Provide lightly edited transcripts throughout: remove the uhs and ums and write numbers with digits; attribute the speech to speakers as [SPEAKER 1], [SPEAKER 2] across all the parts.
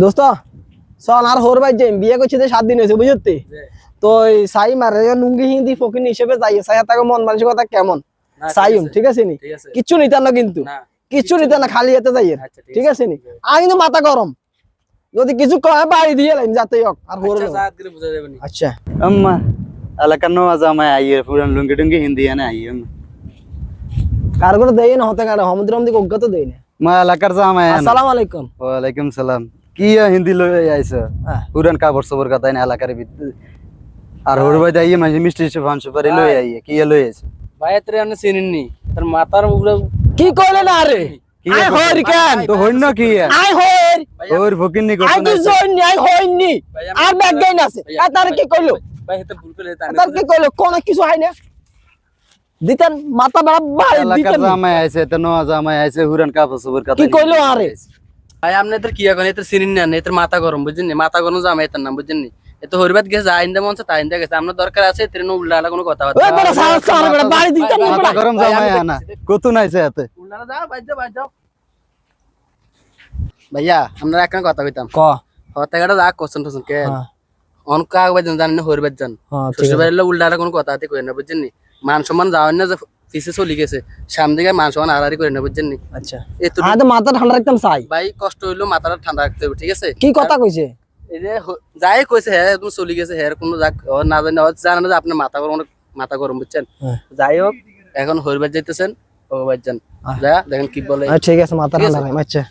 [SPEAKER 1] দোস্ত চল আর হোর ভাই যাই বিয়ে করছি 7 দিন হয়েছে বুঝতে তো সাই মারে লুঙ্গি হিন্দি ফকিন হিসেবে যাই সাই তাকে মন মানসিকতা কেমন সাইম ঠিক আছে নি কিচ্ছু নিতে না কিন্তু কিচ্ছু নিতে না খালি হাতে যাই ঠিক আছে নি আর কিন্তু মাথা গরম যদি কিছু কয় বাড়ি দিয়ে লাইন যাতে হোক আর হোর আচ্ছা
[SPEAKER 2] अम्मा এলাকার নওয়াজ আমায় আইয়ে পুরান লুঙ্গি টুঙ্গি হিন্দি আনে আইয়ে
[SPEAKER 1] কার করে দেই না হতে কারে সমুদ্র মধ্যে অজ্ঞাত দেই না
[SPEAKER 2] মা এলাকার জামাই
[SPEAKER 1] আসসালামু আলাইকুম
[SPEAKER 2] ওয়ালাইকুম সালাম কি হিন্দি লই আইছো পুরান কাপড় সবর কথা না এলাকার ভিতর আর হোর ভাই আইয়ে মাঝে মিষ্টি সুপান সুপারি লই আইয়ে কি লই আইছো
[SPEAKER 3] ভাই এতরে আপনি চিনেননি তার মাথার উপরে
[SPEAKER 1] কি কইলে না রে আই হর কেন
[SPEAKER 2] তো হইন কি
[SPEAKER 1] আই হর
[SPEAKER 2] ওর ফকিন্নি
[SPEAKER 1] আই
[SPEAKER 2] করতে
[SPEAKER 1] কি জইনি আই হইনি আর ব্যাগ গাইন আছে তার কি কইলো
[SPEAKER 3] ভাই এত ভুল করে
[SPEAKER 1] তার কি কইলো কোন কিছু হয় না দিতেন মাথা বড় বাড়ি
[SPEAKER 2] এলাকার
[SPEAKER 1] দিতেন
[SPEAKER 2] জামাই আইছে তো নওয়াজ জামাই আইছে পুরান কাপড় সবর কথা
[SPEAKER 1] কি কইলো আরে
[SPEAKER 3] ভাই আপনি এত কি এখন এত চিনেন না এত মাথা গরম বুঝছেন নি মাথা গরম জামাই এত নাম বুঝছেন নি এত হরিবাত গেছে আইন্দা মনছে তাইন্দা গেছে আমরা দরকার আছে ট্রেন উল্লালা কোনো কথা
[SPEAKER 1] ওই বড় সারা সারা বড় বাড়ি দিতেন না
[SPEAKER 2] মাথা গরম জামাই আনা কত নাইছে এতে
[SPEAKER 3] উল্লালা যাও বাজ যাও ভাইয়া আমরা একটা কথা কইতাম
[SPEAKER 1] ক
[SPEAKER 3] হতে গেটা যা কোশ্চেন টোশ্চেন কে অন কাগ বাজন জানেন না হরিবাত জান শ্বশুর বাড়ির উল্লালা কোনো কথা আতে কই না বুঝছেন নি মান সম্মান যাওয়ার না যে পিছে চলে গেছে সামনে দিকে মান সম্মান আড়াআড়ি করে না বুঝছেন নি
[SPEAKER 1] আচ্ছা আমি তো মাথা ঠান্ডা রাখতাম চাই
[SPEAKER 3] ভাই কষ্ট হইলো মাথাটা ঠান্ডা রাখতে হবে ঠিক আছে
[SPEAKER 1] কি কথা কইছে
[SPEAKER 3] এই যে যাই কইছে হ্যাঁ তুমি চলে গেছে হ্যাঁ কোনো না জানে না যে আপনার মাথা গরম বুঝছেন যাই হোক এখন হরিবার যাইতেছেন ও ভাইজান যা দেখেন কি বলে
[SPEAKER 1] ঠিক আছে মাথা ঠান্ডা রাখ আচ্ছা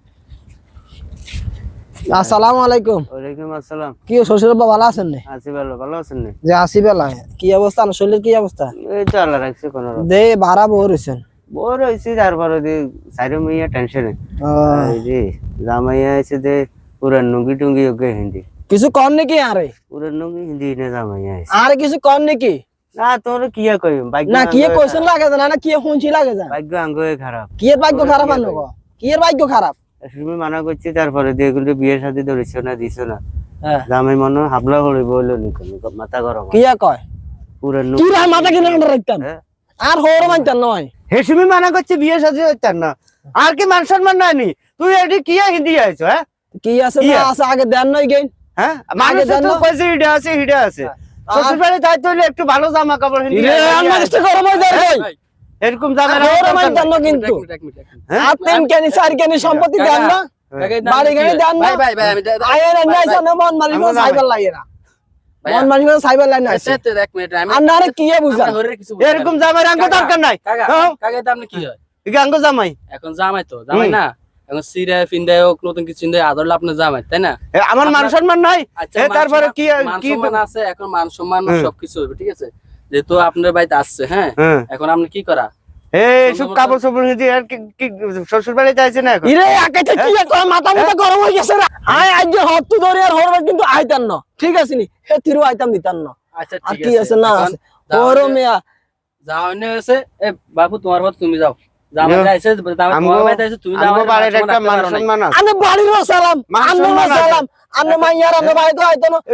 [SPEAKER 1] আসসালামু আলাইকুম
[SPEAKER 2] ওয়ালাইকুম আসসালাম
[SPEAKER 1] কি শ্বশুর বাবা ভালো আছেন না
[SPEAKER 2] আছি ভালো আছেন না
[SPEAKER 1] যে আসি বেলা কি অবস্থা না শরীরের কি অবস্থা
[SPEAKER 2] এই তো আল্লাহ রাখছে কোন
[SPEAKER 1] দে ভাড়া বড় হইছেন
[SPEAKER 2] বড় হইছে তারপর দি সাইরে মিয়া টেনশনে এই যে জামাইয়া আছে যে পুরান নুঙ্গি টুঙ্গি ওকে হিন্দি
[SPEAKER 1] কিছু কম নাকি আরে
[SPEAKER 2] পুরান নুঙ্গি হিন্দি না জামাইয়া আছে
[SPEAKER 1] আর কিছু কম নাকি
[SPEAKER 2] না তোর কি কই ভাগ্য
[SPEAKER 1] না কি কোশ্চেন লাগে না কি হুঁচি লাগে যা
[SPEAKER 2] ভাগ্য আঙ্গয়ে খারাপ
[SPEAKER 1] কি এর ভাগ্য খারাপ আনো কি এর ভাগ্য খারাপ
[SPEAKER 2] তুমি মানা করছি তারপরে দিয়ে এগুলো বিয়ের সাথে ধরেছো না দিছো না
[SPEAKER 1] হ্যাঁ
[SPEAKER 2] জামাই মনে হাবলা করে বললো নি মাথা গরম
[SPEAKER 1] কি কয়
[SPEAKER 2] পুরান
[SPEAKER 1] কি রা মাথা কিনে আন্ডার রাখতাম আর হোর মানতাম নয়
[SPEAKER 2] হেসুমি মানা করছে বিয়ের সাথে হইতাম না আর কি মান সম্মান নাই তুই এটি কি হিন্দি আইছো হ্যাঁ
[SPEAKER 1] কি আছে না আছে আগে দেন নই গেন
[SPEAKER 2] হ্যাঁ মানে তো কইছে হিডা আছে শ্বশুর বাড়ি তাই তো একটু ভালো জামা কাপড় হিন্দি
[SPEAKER 1] আমার ইচ্ছে গরম হয়ে যায় ভাই
[SPEAKER 2] এরকম জামা
[SPEAKER 1] হোর মানতাম না কিন্তু আর তিন কেনি চার কেনি সম্পত্তি দেন না বাড়ি গাড়ি দেন না
[SPEAKER 3] ভাই আমি
[SPEAKER 1] আয়ের নাই জানো মন মারি গো সাইবার লাগে না মন মারি গো সাইবার লাইন আছে
[SPEAKER 3] এক মিনিট আমি
[SPEAKER 1] আন্নারে কি বুঝা
[SPEAKER 2] এরকম জামা রঙ দরকার নাই
[SPEAKER 3] কাকা এটা আপনি কি হয়
[SPEAKER 2] গাঙ্গ জামাই
[SPEAKER 3] এখন জামাই তো জামাই না এখন সিরা ফিন্দায় হোক নতুন কিছু চিন্তায় আদরলে আপনার জামাই তাই না
[SPEAKER 2] আমার মান সম্মান নাই তারপরে কি
[SPEAKER 3] কি মান আছে এখন মান সম্মান সবকিছু হবে ঠিক আছে যেহেতু আপনার বাড়িতে আসছে হ্যাঁ এখন আপনি কি করা
[SPEAKER 2] এই সব কাপড় সবুর হিন্দি আর কি শ্বশুর বাড়িতে আছে না এখন
[SPEAKER 1] ইরে আকাইতে কি কয় মাথা গরম হয়ে গেছে রে আয় আজ যে হত্তু ধরে আর হরবার কিন্তু আইতান না ঠিক আছে নি হে তিরু আইতাম দিতান না
[SPEAKER 3] আচ্ছা
[SPEAKER 1] ঠিক আছে কি আছে না আছে ওর মিয়া
[SPEAKER 3] যাও নে আছে এ বাবু তোমার বাদ তুমি যাও জামাই আইছে তোমার বাড়িতে আইছে তুমি যাও
[SPEAKER 2] আমার বাড়ির একটা মান সম্মান আছে
[SPEAKER 1] আনে বাড়ির সালাম আন্নে সালাম আন্নে মাইয়ার আন্নে ভাই তো আইতো না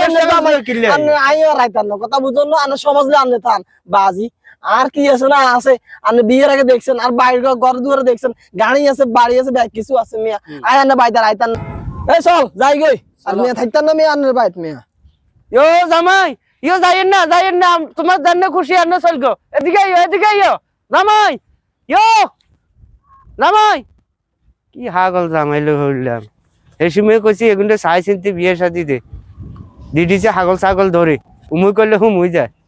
[SPEAKER 1] আন্নে আইয়ার আইতান না কথা বুঝুন না আন্নে সমাজলে আন্নে থান বাজি আর কি আছে না আছে আন্নে বিয়ের আগে দেখছেন আর বাইরে ঘর দুয়ারে দেখছেন গাড়ি আছে বাড়ি আছে ব্যাগ কিছু আছে মিয়া আয় আন্নে বাইদার আইতান না এই চল যাই গই আর মিয়া থাকতান না মিয়া আন্নের বাইত মিয়া
[SPEAKER 2] ইয়ো জামাই ইয়ো যাইয়েন না তোমার জান্নে খুশি আন্নে চল গো এদিকে ইয়ো জামাই ইয়ো জামাই কি হাগল জামাইলো হইলাম এই সময় কইছি এগুলো চাই চিনতে বিয়ে শাদি দে দিদি যে হাগল ছাগল ধরে উমুই করলে হুম হয়ে যায়